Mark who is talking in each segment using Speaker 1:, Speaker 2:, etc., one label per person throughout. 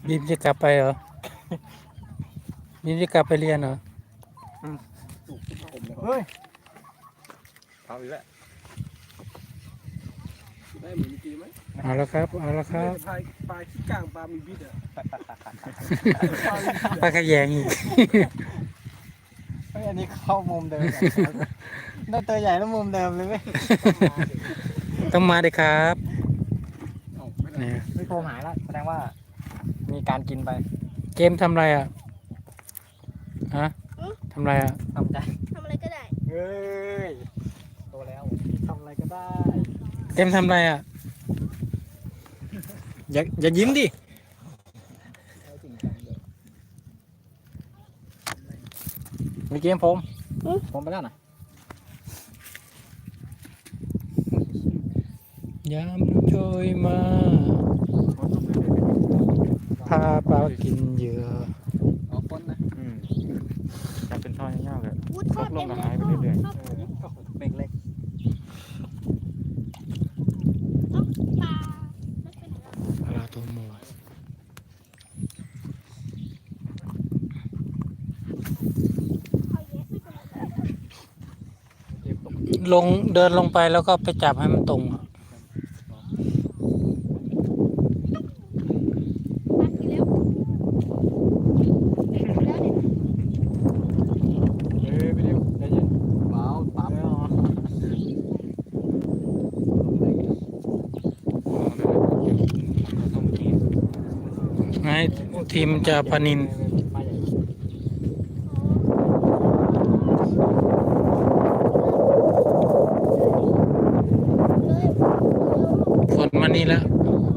Speaker 1: บีมจะกลับไปเหรอบีมจะกลับไปเรียนเหรอ
Speaker 2: เฮ้ย
Speaker 3: เอาอีกแล้ว
Speaker 2: ได้เหมือนเมื่อกี้ไหม
Speaker 1: เอาละครับเอาละครับ
Speaker 2: ปลาขี้กลางปลามีบิดอ่ะ
Speaker 1: ปลากระแยงอีก
Speaker 3: เฮ้ยอันนี้เข้ามุมเดิมได้ตัวใหญ่แล้วมุมเดิมเลยเว้ย
Speaker 1: ต้องมาเลยครับเนี่ย
Speaker 3: ไม่โคมหายแล้วแสดงว่ามีการกินไป
Speaker 1: เกมทำอะไรอ่ะฮะทำอะไรอ่ะ
Speaker 3: ทำใจ
Speaker 4: ทำอะไรก็ได้
Speaker 3: เฮ้ยโตแล้วทำอะไรก็ได้
Speaker 1: เกมทำอะไรอ่ะอย่ายิ้มดิ
Speaker 3: มีเกมผมไปแล้วนะ
Speaker 1: ยามโชยมาพาปลากินเหยื่อ
Speaker 3: อ๋อคนนะ
Speaker 5: จะเป็นท่อยาวๆเลย
Speaker 4: วุ้ดทอด
Speaker 5: ล
Speaker 4: เต็
Speaker 5: ง
Speaker 4: ม
Speaker 5: กับ
Speaker 4: เล
Speaker 5: หาย ยไปเรื่อย
Speaker 4: ชอบ
Speaker 3: เบรกเล็ก
Speaker 4: ปลา
Speaker 1: ปลาตัวหมู
Speaker 4: เอาเยอะไม่เป็นไร
Speaker 1: ลงเดินลงไปแล้วก็ไปจับให้มันตรงอะ
Speaker 4: ปลากินแล้วเด็กแล้วเนี่ย
Speaker 3: เฮ้ยไปเร็วใจเย็นเบาตามไม่ออก
Speaker 1: ให้ทีมจะปลานินฝนมานี่แล้ว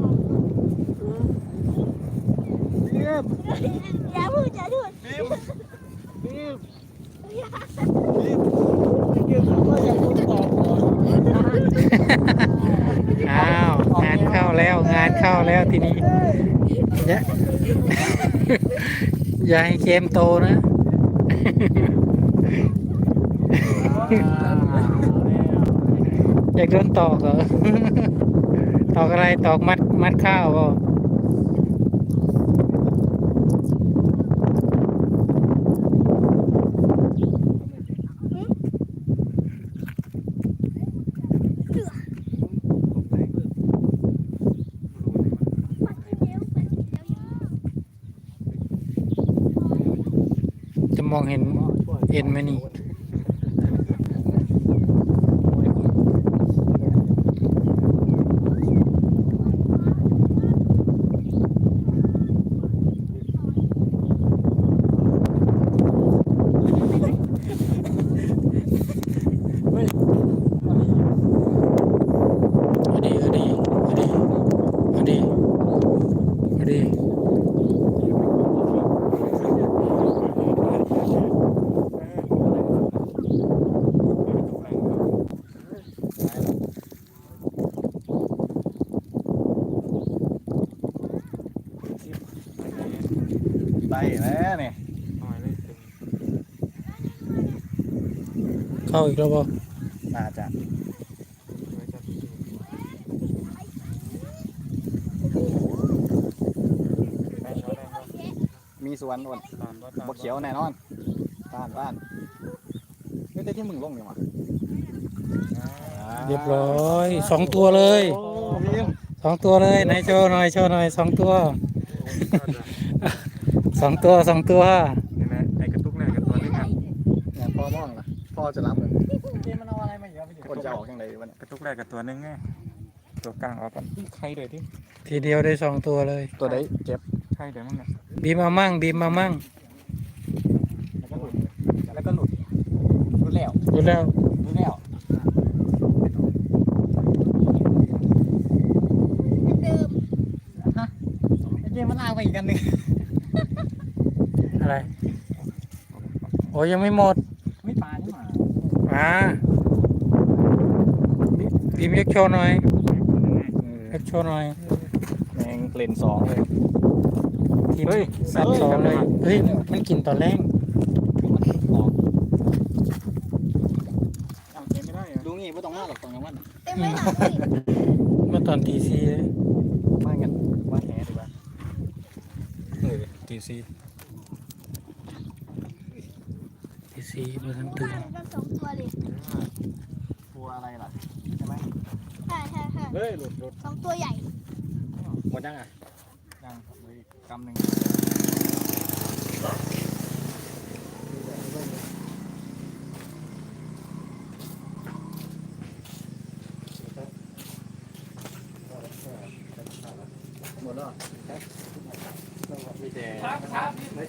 Speaker 4: อย่าพูดอย่าพูด
Speaker 1: อ้าวงานเข้าแล้วงานเข้าแล้วทีนี้อย่า อย่าให้เกมโตนะ อยากโดนตอกเหรอ ตอกอะไรตอกมัดข้าวเปล่าจะมองเห็นเอ็นไหมนี่ เอาดี
Speaker 3: ไปแล้วเนี่ย
Speaker 1: เข้าอีกแล้วเปล่า
Speaker 3: น่าจะมีสวนอ่อนบกเขียวแน่นอนบ้านเฮ้ยแต่ที่มึงลงเนี่ยวะ
Speaker 1: เรียบร้อย2 ตัวเลย
Speaker 3: โอ้พิม
Speaker 1: 2 ตัวเลยไหนโชว์หน่อย2 ตัว 2 ตัว
Speaker 5: เห็นไหมไอ้กระตุกเนี่ยกับตัวนึงอ่ะ
Speaker 3: เนี่ยพ่อมองนะพ่อจะรับเลยเกมมันเอาอะไรมาเยอะพี่คนจะออกยังไงวะเนี่ย
Speaker 5: กระตุกแรกกับตัวนึงไงตัวกลางออกกันใครเดี๋ยวที่
Speaker 1: ทีเดียวได้2 ตัวเลย
Speaker 3: ตัวไหนเก็บ
Speaker 5: ใครเดี๋ยวมั้งเนี่ย
Speaker 1: บีมมามั่ง
Speaker 3: แล้วก็หลุดแล้ว
Speaker 1: ดูแล้ว
Speaker 3: หลุดแล้ว
Speaker 4: เดิม
Speaker 3: ไอ้เกมมันเอาไปอีกอันหนึ่ง
Speaker 1: อะไรโอ้ยังไม่หมด
Speaker 3: ไม่ปลาใช่ไหม
Speaker 1: บีมเล็กโชว์หน่อยเล็กโชว์หน่อย
Speaker 3: แมงเล่นสองเลย
Speaker 1: ทีมสัตว์2เลยเฮ้ยมันกินตอนแรก
Speaker 3: เอาเกมไม่ได้ดูงี้ไม่ต้องมากหรอกตรงนั้น
Speaker 4: เต็มเลยหลังเลย
Speaker 1: เมื่อตอนตี 4เลย
Speaker 3: มากันว่าแหดีกว่าตีสี่
Speaker 1: ที่สี่เมื่อทันตื่น
Speaker 4: กันสองตัวเลย
Speaker 3: ตัวอะไรล่ะใช่ไหม
Speaker 4: ใช่ใช่ใช่
Speaker 2: เฮ้ยหลุด
Speaker 4: สองตัวใหญ่
Speaker 2: หมดยังอ่ะ
Speaker 3: ยังเลยกำหนึ่ง
Speaker 2: หมดแล้ว
Speaker 3: มีแต่